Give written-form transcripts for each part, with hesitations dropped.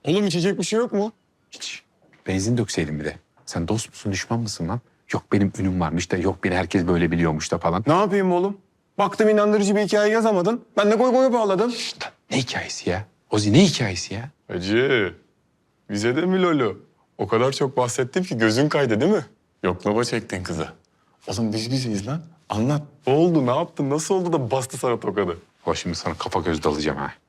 Oğlum içecek bir şey yok mu? Hiç. Benzin dökseydin bir de. Sen dost musun, düşman mısın lan? Yok benim ünüm varmış da, yok beni herkes böyle biliyormuş da falan. Ne yapayım oğlum? Baktım inandırıcı bir hikaye yazamadın. Ben de koy koya bağladım. Lan ne hikayesi ya? Ozi ne hikayesi ya? Hacı, bize de mi Lolo? O kadar çok bahsettim ki gözün kaydı değil mi? Yoklama çektin kıza. Oğlum biz bizeyiz lan. Anlat. Ne oldu, ne yaptın, nasıl oldu da bastı sana tokadı? O şimdi sana kafa göz dalacağım ha.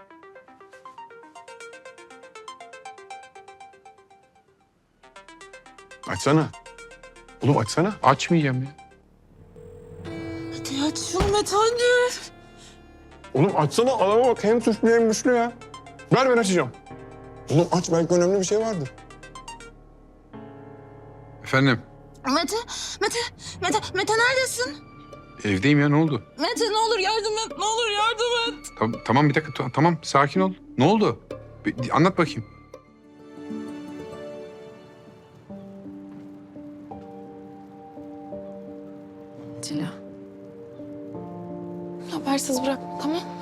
Açsana. Oğlum açsana. Açmayacağım ya. Hadi aç şunu Mete hadi. Oğlum açsana, adama bak. Hem suçlu hem güçlü ya. Ver ben açacağım. Oğlum aç, belki önemli bir şey vardır. Efendim? Mete neredesin? Evdeyim ya, ne oldu? Mete ne olur yardım et, ne olur yardım et. Tamam bir dakika, tamam sakin ol. Ne oldu? Anlat bakayım. Cila. Habersiz bırak, tamam mı?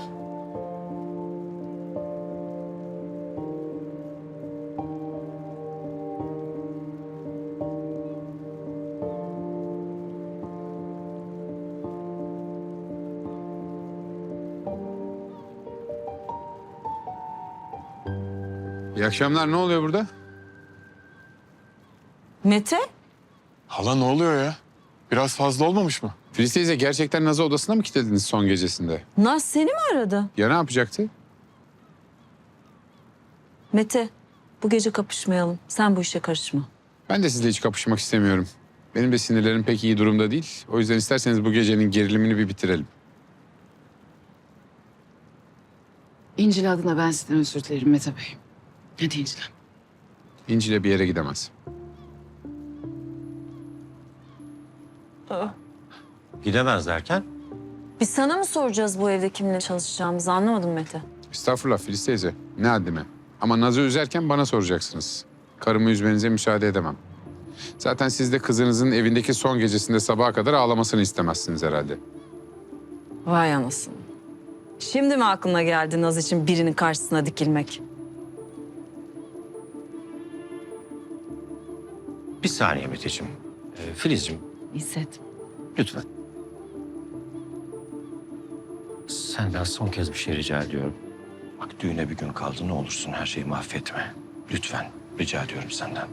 İyi akşamlar, ne oluyor burada? Mete? Hala ne oluyor ya? Biraz fazla olmamış mı? Filiz teyze, gerçekten Naz'ı odasına mı kilitlediniz son gecesinde? Naz seni mi aradı? Ya ne yapacaktı? Mete, bu gece kapışmayalım. Sen bu işe karışma. Ben de sizle hiç kapışmak istemiyorum. Benim de sinirlerim pek iyi durumda değil. O yüzden isterseniz bu gecenin gerilimini bir bitirelim. İncil adına ben sizden özür dilerim Mete Bey. Hadi İncil. İnci'yle bir yere gidemez. Gidemez derken? Biz sana mı soracağız bu evde kiminle çalışacağımızı, anlamadım Mete. Estağfurullah Filiz teyze. Ne haddime. Ama Naz'ı üzerken bana soracaksınız. Karımı üzmenize müsaade edemem. Zaten siz de kızınızın evindeki son gecesinde sabaha kadar ağlamasını istemezsiniz herhalde. Vay anasını. Şimdi mi aklına geldi Naz için birinin karşısına dikilmek? Bir saniye Meteciğim. Filizciğim, İzzet. lütfen. Senden son kez bir şey rica ediyorum. Bak düğüne bir gün kaldı, ne olursun her şeyi mahvetme. Lütfen, rica ediyorum senden.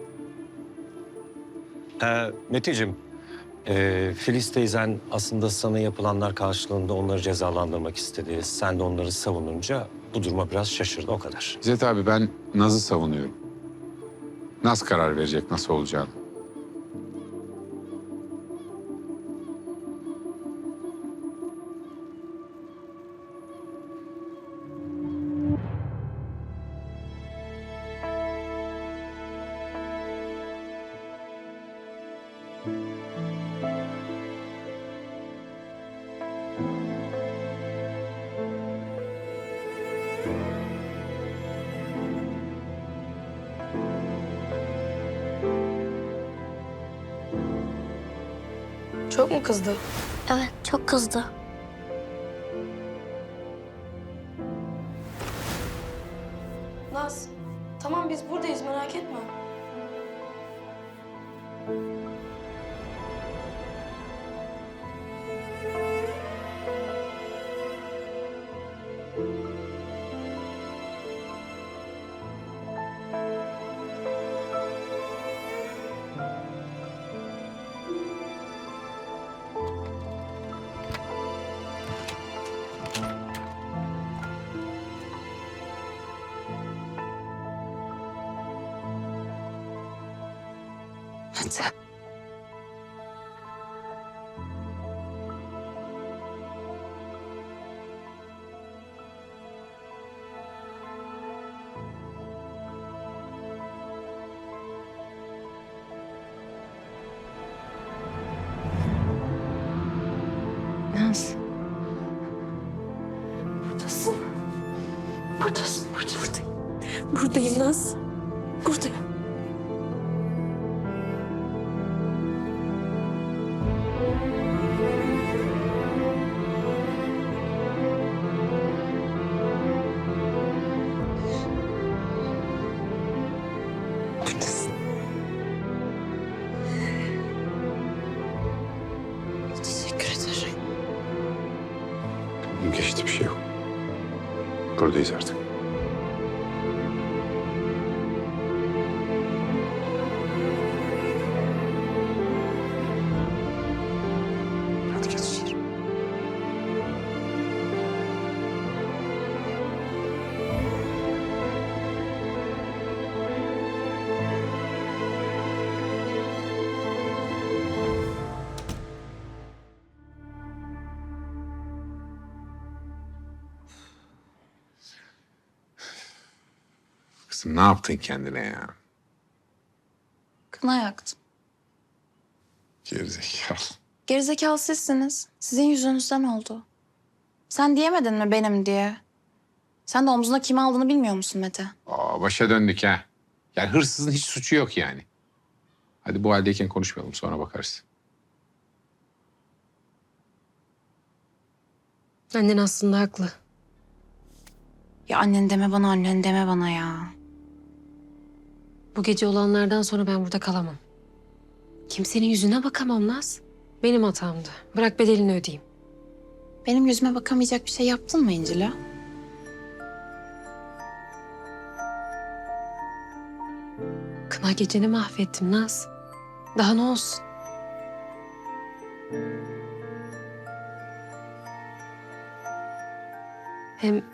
Meteciğim, Filiz teyzen aslında sana yapılanlar karşılığında onları cezalandırmak istedi. Sen de onları savununca bu duruma biraz şaşırdı, o kadar. İzzet abi, ben Naz'ı savunuyorum. Naz karar verecek nasıl olacağını. Çok mu kızdı? Evet, çok kızdı. Naz, tamam biz buradayız merak etme. Mete. Naz. Buradasın. Buradasın, buradayım. Buradayım Naz. Buradayım. Geçti, bir şey yok. Buradayız artık. Hadi geç içeri. Kızım ne yaptın kendine ya? Kına yaktım. Gerizekalı. Gerizekalı sizsiniz. Sizin yüzünüzden oldu. Sen diyemedin mi benim diye? Sen de omzuna kimi aldığını bilmiyor musun Mete? Aa, başa döndük ha. Yani hırsızın hiç suçu yok yani. Hadi bu haldeyken konuşmayalım, sonra bakarız. Annen aslında haklı. Ya annen deme bana, annen deme bana ya. Bu gece olanlardan sonra ben burada kalamam. Kimsenin yüzüne bakamam Naz. Benim hatamdı. Bırak bedelini ödeyeyim. Benim yüzüme bakamayacak bir şey yaptın mı İncil'e? Kına geceni mahvettim Naz. Daha ne olsun? Hem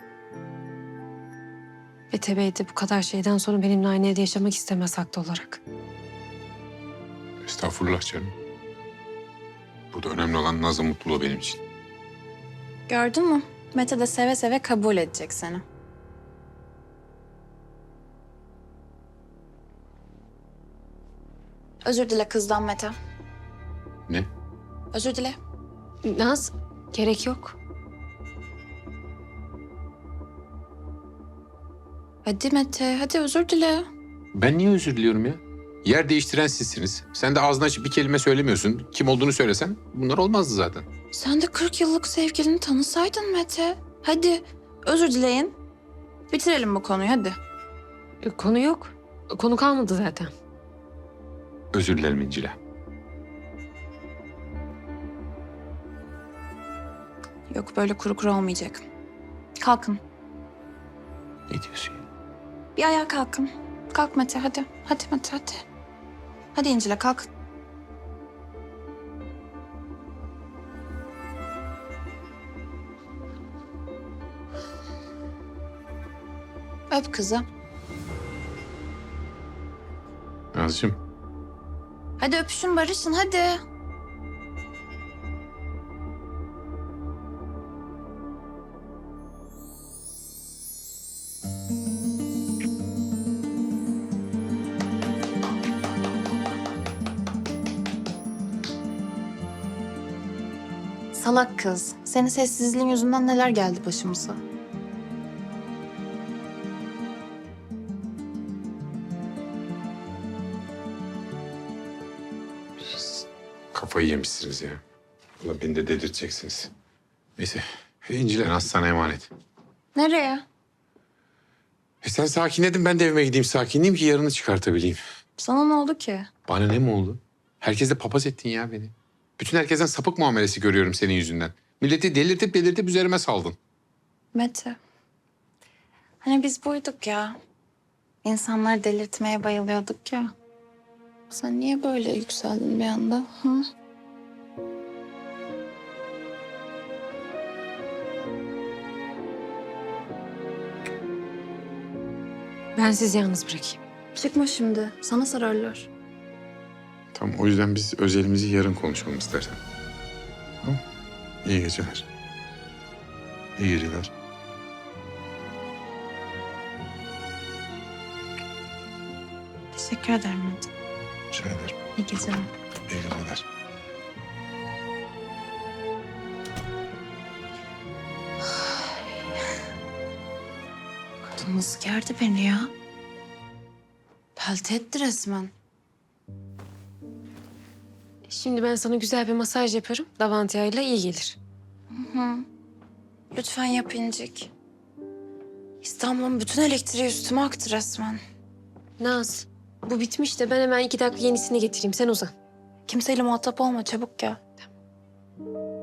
Mete Bey de bu kadar şeyden sonra benimle aynı evde yaşamak istemez haklı olarak. Estağfurullah canım. Burada önemli olan Naz'ın mutluluğu benim için. Gördün mü? Mete de seve seve kabul edecek seni. Özür dile kızdan Mete. Ne? Özür dile. Naz, gerek yok. Hadi Mete, hadi özür dile. Ben niye özür diliyorum ya? Yer değiştiren sizsiniz. Sen de ağzını açıp bir kelime söylemiyorsun. Kim olduğunu söylesen bunlar olmazdı zaten. Sen de 40 yıllık sevgilini tanısaydın Mete. Hadi özür dileyin. Bitirelim bu konuyu hadi. Konu yok. Konu kalmadı zaten. Özür dilerim İncil'e. Yok böyle kuru kuru olmayacak. Kalkın. Ne diyorsun ya? Bir ayağa kalkın. Kalk Mete hadi. Hadi Mete hadi. Hadi İncil'e kalk. Öp kızı. Nazcığım. Hadi öpüşün barışın hadi. Salak kız. Senin sessizliğin yüzünden neler geldi başımıza. Kafayı yemişsiniz ya. Valla beni de dedirteceksiniz. Neyse. İncil'e Naz sana emanet. Nereye? Sen sakinledin, ben de evime gideyim sakinleyeyim ki yarını çıkartabileyim. Sana ne oldu ki? Bana ne mi oldu? Herkese papaz ettin ya beni. Bütün herkesten sapık muamelesi görüyorum senin yüzünden. Milleti delirtip üzerime saldın. Mete. Hani biz buyduk ya. İnsanları delirtmeye bayılıyorduk ya. Sen niye böyle yükseldin bir anda? Hı? Ben sizi yalnız bırakayım. Çıkma şimdi. Sana sararlar. Tamam, o yüzden biz özelimizi yarın konuşalım istersen. Tamam. İyi geceler. İyi geceler. Teşekkür ederim Mete. Rica ederim. İyi geceler. İyi geceler. Kadın nasıl gerdi beni ya? Pelte etti resmen. Şimdi ben sana güzel bir masaj yapıyorum. Lavanta yağıyla iyi gelir. Hı. Lütfen yap İncik. İstanbul'un bütün elektriği üstüme aktı resmen. Naz, bu bitmiş de ben hemen 2 dakika yenisini getireyim. Sen uzan. Kimseyle muhatap olma çabuk gel.